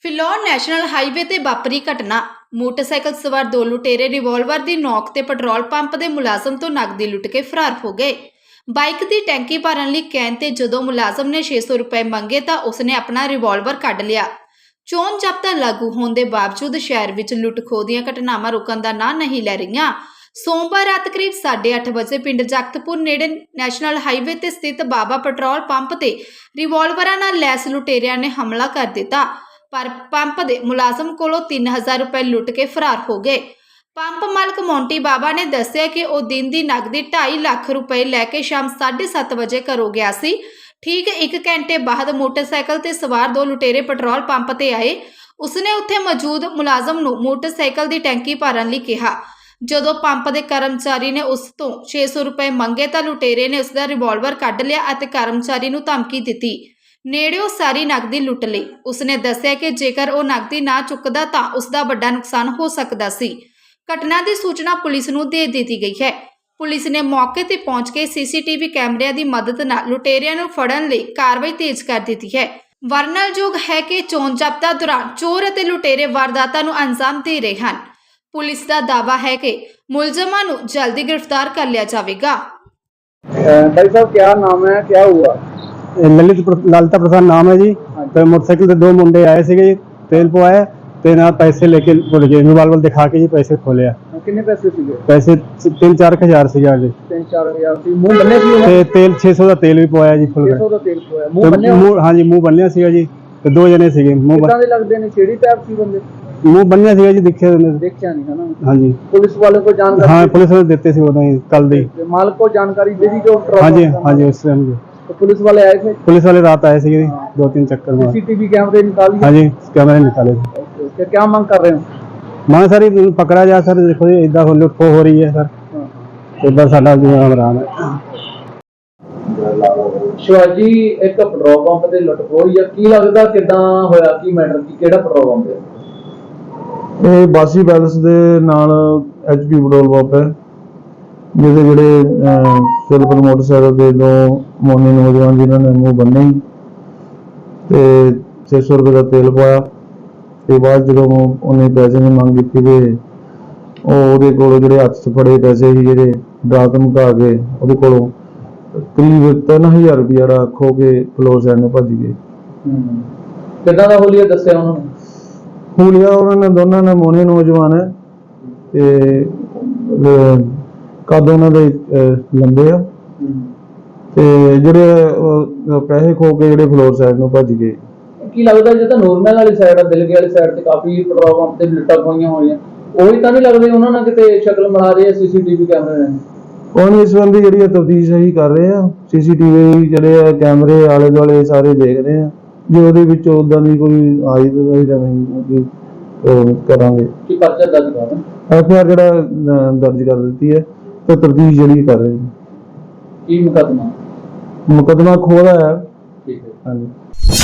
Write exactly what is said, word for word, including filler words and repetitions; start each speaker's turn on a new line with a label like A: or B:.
A: Phillaur national highway ਤੇ ਵਾਪਰੀ ਘਟਨਾ। ਮੋਟਰਸਾਈਕਲ ਸਵਾਰ ਦੋ ਲੁਟੇਰੇ ਰਿਵਾਲਵਰ ਦੀ ਨੋਕ ਤੇ ਪੈਟਰੋਲ ਪੰਪ ਦੇ ਮੁਲਾਜ਼ਮ ਤੋਂ ਨਕਦੀ ਲੁੱਟ ਕੇ ਫਰਾਰ ਹੋ ਗਏ। ਬਾਈਕ ਦੀ ਟੈਂਕੀ ਭਰਨ ਲਈ ਕਹਿਣ ਤੇ ਜਦੋਂ ਮੁਲਾਜ਼ਮ ਨੇ ਛੇ ਸੌ ਰੁਪਏ ਮੰਗੇ ਤਾਂ ਉਸਨੇ ਆਪਣਾ ਰਿਵਾਲਵਰ ਕੱਢ ਲਿਆ। ਚੋਣ ਜ਼ਾਬਤਾ ਲਾਗੂ ਹੋਣ ਦੇ ਬਾਵਜੂਦ ਸ਼ਹਿਰ ਵਿੱਚ ਲੁੱਟ-ਖੋਹ ਦੀਆਂ ਘਟਨਾਵਾਂ ਰੁਕਣ ਦਾ ਨਾਂ ਨਹੀਂ ਲੈ ਰਹੀਆਂ। ਸੋਮਵਾਰ ਰਾਤ ਕਰੀਬ ਸਾਢੇ ਅੱਠ ਵਜੇ ਪਿੰਡ ਜਗਤਪੁਰ ਨੇੜੇ ਨੈਸ਼ਨਲ ਹਾਈਵੇ ਤੇ ਸਥਿਤ ਬਾਬਾ ਪੈਟਰੋਲ ਪੰਪ ਤੇ ਰਿਵਾਲਵਰਾਂ ਨਾਲ ਲੈਸ ਲੁਟੇਰਿਆਂ ਨੇ ਹਮਲਾ ਕਰ ਦਿੱਤਾ, ਪਰ ਪੰਪ ਦੇ ਮੁਲਾਜ਼ਮ ਕੋਲੋਂ ਤਿੰਨ ਹਜ਼ਾਰ ਰੁਪਏ ਲੁੱਟ ਕੇ ਫਰਾਰ ਹੋ ਗਏ। ਪੰਪ ਮਾਲਕ ਮੋਂਟੀ ਬਾਬਾ ਨੇ ਦੱਸਿਆ ਕਿ ਉਹ ਦਿਨ ਦੀ ਨਕਦੀ ਢਾਈ ਲੱਖ ਰੁਪਏ ਲੈ ਕੇ ਸ਼ਾਮ ਸਾਢੇ ਸੱਤ ਵਜੇ ਘਰੋਂ ਗਿਆ ਸੀ। ਠੀਕ ਇੱਕ ਘੰਟੇ ਬਾਅਦ ਮੋਟਰਸਾਈਕਲ ਤੇ ਸਵਾਰ ਦੋ ਲੁਟੇਰੇ ਪੈਟਰੋਲ ਪੰਪ ਤੇ ਆਏ। ਉਸਨੇ ਉੱਥੇ ਮੌਜੂਦ ਮੁਲਾਜ਼ਮ ਨੂੰ ਮੋਟਰਸਾਈਕਲ ਦੀ ਟੈਂਕੀ ਭਰਨ ਲਈ ਕਿਹਾ। ਜਦੋਂ ਪੰਪ ਦੇ ਕਰਮਚਾਰੀ ਨੇ ਉਸ ਤੋਂ ਛੇ ਸੌ ਰੁਪਏ ਮੰਗੇ ਤਾਂ ਲੁਟੇਰੇ ਨੇ ਉਸ ਦਾ ਰਿਵਾਲਵਰ ਕੱਢ ਲਿਆ ਅਤੇ ਕਰਮਚਾਰੀ ਨੂੰ ਧਮਕੀ ਦਿੱਤੀ। ਨੇੜਿਓਂ ਸਾਰੀ ਨਕਦੀ ਲੁੱਟ ਲਈ। ਉਸਨੇ ਦੱਸਿਆ ਕਿ ਜੇਕਰ ਉਹ ਨਕਦੀ ਨਾ ਚੁੱਕਦਾ ਤਾਂ ਉਸ ਦਾ ਵੱਡਾ ਨੁਕਸਾਨ ਹੋ ਸਕਦਾ ਸੀ। ਘਟਨਾ ਦੀ ਸੂਚਨਾ ਪੁਲਿਸ ਨੂੰ ਦੇ ਦਿੱਤੀ ਗਈ ਹੈ। ਪੁਲਿਸ ਨੇ ਮੌਕੇ ਤੇ ਪਹੁੰਚ ਕੇ ਸੀਸੀਟੀਵੀ ਕੈਮਰਿਆਂ ਦੀ ਮਦਦ ਨਾਲ ਲੁਟੇਰਿਆਂ ਨੂੰ ਫੜਨ ਲਈ ਕਾਰਵਾਈ ਤੇਜ਼ ਕਰ ਦਿੱਤੀ ਹੈ। ਵਰਣਨਯੋਗ ਹੈ ਕਿ ਚੋਣ ਜ਼ਾਬਤਾ ਦੌਰਾਨ ਚੋਰ ਅਤੇ ਲੁਟੇਰੇ ਵਾਰਦਾਤਾਂ ਨੂੰ ਅੰਜਾਮ ਦੇ ਰਹੇ ਹਨ। ਪੁਲਿਸ ਦਾ ਦਾਅਵਾ ਹੈ ਕਿ ਮੁਲਜ਼ਮਾਂ ਨੂੰ ਜਲਦੀ गिरफ्तार कर लिया जाएगा।
B: भाई साहब क्या नाम है, क्या हुआ?
C: ललित लालता प्रसाद नाम है जी। तो मोटरसाइकिल से दो मुंडे आए थे जी, तेल पवाया ਤੇ ਨਾਲ ਪੈਸੇ ਲੈ ਕੇ ਭੁੱਲ ਗਏ। ਰਿਵਾਲਵਰ ਦਿਖਾ ਕੇ ਜੀ ਪੈਸੇ ਖੋਲਿਆ।
B: ਕਿੰਨੇ ਪੈਸੇ ਸੀਗੇ?
C: ਪੈਸੇ ਤਿੰਨ ਚਾਰ ਹਜ਼ਾਰ ਸੀਗਾ ਜੀ।
B: ਤਿੰਨ ਚਾਰ ਹਜ਼ਾਰ ਸੀ। ਮੂੰਹ ਬੰਨਿਆ ਸੀ ਉਹਨਾਂ
C: ਤੇ ਤੇਲ ਛੇ ਸੌ ਦਾ ਤੇਲ ਵੀ ਪਵਾਇਆ ਜੀ ਫੁੱਲ।
B: ਛੇ ਸੌ ਦਾ ਤੇਲ ਪਵਾਇਆ। ਮੂੰਹ ਬੰਨਿਆ?
C: ਮੂੰਹ ਹਾਂਜੀ ਮੂੰਹ ਬੰਨਿਆ ਸੀਗਾ ਜੀ। ਤੇ ਦੋ ਜਣੇ ਸੀਗੇ। ਮੂੰਹ
B: ਕਿੱਦਾਂ ਦੇ ਲੱਗਦੇ ਨੇ? ਛੇੜੀ ਟਾਈਪ ਸੀ ਬੰਦੇ?
C: ਮੂੰਹ ਬੰਨਿਆ ਸੀਗਾ ਜੀ, ਦੇਖਿਆ
B: ਦੇਖਿਆ ਨਹੀਂ ਹੈ ਨਾ।
C: ਹਾਂਜੀ
B: ਪੁਲਿਸ ਵਾਲੇ को जानकारी?
C: हाँ पुलिस वाले देते थे उਦੋਂ ही कल दी।
B: मालिक को जानकारी दे दी जो?
C: हाँ जी हाँ जी उस टाइम जी।
B: तो पुलिस वाले आए थे?
C: पुलिस वाले रात आए थे दो तीन चक्कर में।
B: सीसीटीवी कैमरे निकाले?
C: हाँ जी कैमरे निकाले थे।
B: ओके, क्या मांग कर रहे हो?
C: मांग सर पकड़ा जाए सर। देखो जी इदा लुट खो हो रही है सर। इधर साडा आराम है।
B: शिवाजी एक पेट्रोल पंप ਤੇ ਲੁੱਟ ਖੋਹ ਜਾਂ ਕੀ ਲੱਗਦਾ ਕਿਦਾਂ ਹੋਇਆ? ਕੀ ਮੈਟਰ ਕੀ ਕਿਹੜਾ ਪੈਟਰੋਲ ਪੰਪ ਹੈ
D: ਇਹ? ਬਾਸੀ ਪੈਲਸ ਦੇ ਨਾਲ ਐਚਪੀ ਪੈਟਰੋਲ ਪੰਪ ਹੈ, ਜਿਹਦੇ ਜਿਹੜੇ ਸਿਲਵਰ ਮੋਟਰਸਾਈਕਲ ਦੇ ਦੋ ਮੋਨੇ ਨੌਜਵਾਨ ਜਿਨ੍ਹਾਂ ਨੇ ਮੂੰਹ ਬੰਨੇ ਤੇ ਛੇ ਸੌ ਰੁਪਏ ਦਾ ਤੇਲ ਪਾਇਆ ਤੇ ਬਾਅਦ ਜਦੋਂ ਉਹਨੇ ਪੈਸੇ ਦੀ ਮੰਗ ਕੀਤੀ ਤੇ ਉਹ ਉਹਦੇ ਕੋਲ ਜਿਹੜੇ ਹੱਥ 'ਚ ਫੜੇ ਪੈਸੇ ਸੀ ਜਿਹੜੇ ਡਰਾ ਧਮਕਾ ਕੇ ਉਹਦੇ ਕੋਲੋਂ ਕਰੀਬ ਤਿੰਨ ਹਜ਼ਾਰ ਰੁਪਇਆ ਜਿਹੜਾ ਖੋ ਕੇ ਫਲੋਰ ਸਾਈਡ ਨੂੰ ਭੱਜ ਗਏ।
B: ਕਿੱਦਾਂ ਦਾ ਹੋਲੀਆ ਦੱਸਿਆ ਉਹਨਾਂ ਨੇ?
D: ਹੁਲੀਆ ਉਹਨਾਂ ਨੇ ਦੋਨਾਂ ਨੇ ਮੋਨੇ ਨੌਜਵਾਨ ਹੈ ਤੇ ਕੱਦ ਉਹਨਾਂ ਦੇ ਲੰਬੇ ਆ ਤੇ ਜਿਹੜੇ ਪੈਸੇ ਖੋ ਕੇ ਜਿਹੜੇ ਫਲੋਰ ਸਾਈਡ ਨੂੰ ਭੱਜ ਗਏ।
B: ਕੀ ਲੱਗਦਾ ਜੇ ਤਾਂ ਨੂਰਮਹਿਲ ਵਾਲੀ ਸਾਈਡ ਆ, ਦਿਲਗੇ ਵਾਲੀ ਸਾਈਡ ਤੇ ਕਾਫੀ ਪੈਟਰੋਲ ਪੰਪ ਤੇ ਲੁੱਟਾਂ ਖੋਹੀਆਂ ਹੋਈਆਂ, ਉਹੀ ਤਾਂ ਨਹੀਂ ਲੱਗਦੇ ਉਹਨਾਂ ਨਾਲ ਕਿਤੇ ਸ਼ਕਲ ਮਿਲਾ ਰਹੇ ਆ ਸੀਸੀਟੀਵੀ ਕੈਮਰੇ ਨੇ?
D: ਉਹਨੇ ਇਸ ਸੰਬੰਧੀ ਜਿਹੜੀ ਤਫਤੀਸ਼ ਅਸੀਂ ਕਰ ਰਹੇ ਆ। ਸੀਸੀਟੀਵੀ ਜਿਹੜੇ ਆ ਕੈਮਰੇ ਆਲੇ ਦੁਆਲੇ ਸਾਰੇ ਦੇਖ ਰਹੇ ਆ। ਜੇ ਉਹਦੇ ਵਿੱਚ ਉਦਾਂ ਦੀ ਕੋਈ ਆਈ ਤਾਂ ਨਹੀਂ ਕਰਾਂਗੇ।
B: ਕੀ ਪਰਚਾ ਦਰਜ ਕਰਾਂਗੇ?
D: ਐਫ ਆਈ ਆਰ ਜਿਹੜਾ ਦਰਜ ਕਰ ਦਿੱਤੀ ਹੈ ਤੇ ਤਫਤੀਸ਼ ਜਿਹੜੀ ਕਰ ਰਹੇ
B: ਕੀ ਮੁਕੱਦਮਾ?
D: ਮੁਕੱਦਮਾ ਖੋਲ੍ਹਾ ਹੈ।
B: ਠੀਕ ਹੈ।
D: ਹਾਂਜੀ।